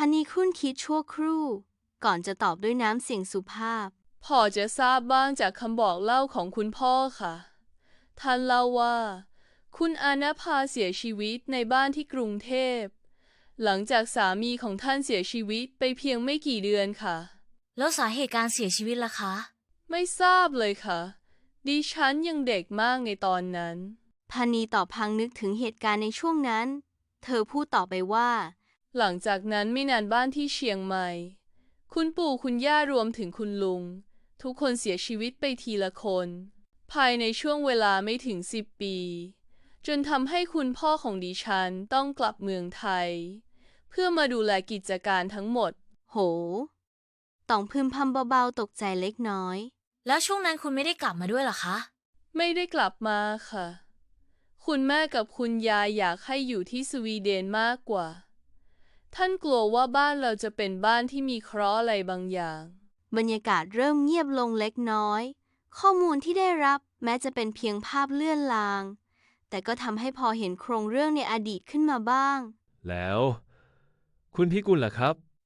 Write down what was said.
นีคุ้นคิดชั่วครู่ก่อนจะตอบด้วยน้ำเสียงสุภาพพอจะทราบบ้างจากคำบอกเล่าของคุณพ่อค่ะท่านเล่าว่าคุณอาณาภาเสียชีวิตในบ้านที่กรุงเทพหลังจากสามีของท่านเสียชีวิตไปเพียงไม่กี่เดือนค่ะแล้วสาเหตุการเสียชีวิตล่ะคะไม่ทราบเลยค่ะดิฉันยังเด็กมากในตอนนั้นพานีตอบพลางนึกถึงเหตุการณ์ในช่วงนั้นเธอพูดต่อไปว่าหลังจากนั้นไม่นานบ้านที่เชียงใหม่คุณปู่คุณย่ารวมถึงคุณลุงทุกคนเสียชีวิตไปทีละคนภายในช่วงเวลาไม่ถึง10 ปีจนทำให้คุณพ่อของดิฉันต้องกลับเมืองไทยเพื่อมาดูแลกิจการทั้งหมดโหต้องพึมพำเบาๆตกใจเล็กน้อยแล้วช่วงนั้นคุณไม่ได้กลับมาด้วยเหรอคะไม่ได้กลับมาค่ะคุณแม่กับคุณยายอยากให้อยู่ที่สวีเดนมากกว่าท่านกลัวว่าบ้านเราจะเป็นบ้านที่มีเคราะห์อะไรบางอย่างบรรยากาศเริ่มเงียบลงเล็กน้อยข้อมูลที่ได้รับแม้จะเป็นเพียงภาพเลื่อนลางแต่ก็ทำให้พอเห็นโครงเรื่องในอดีตขึ้นมาบ้างแล้วคุณพิกุลล่ะครับ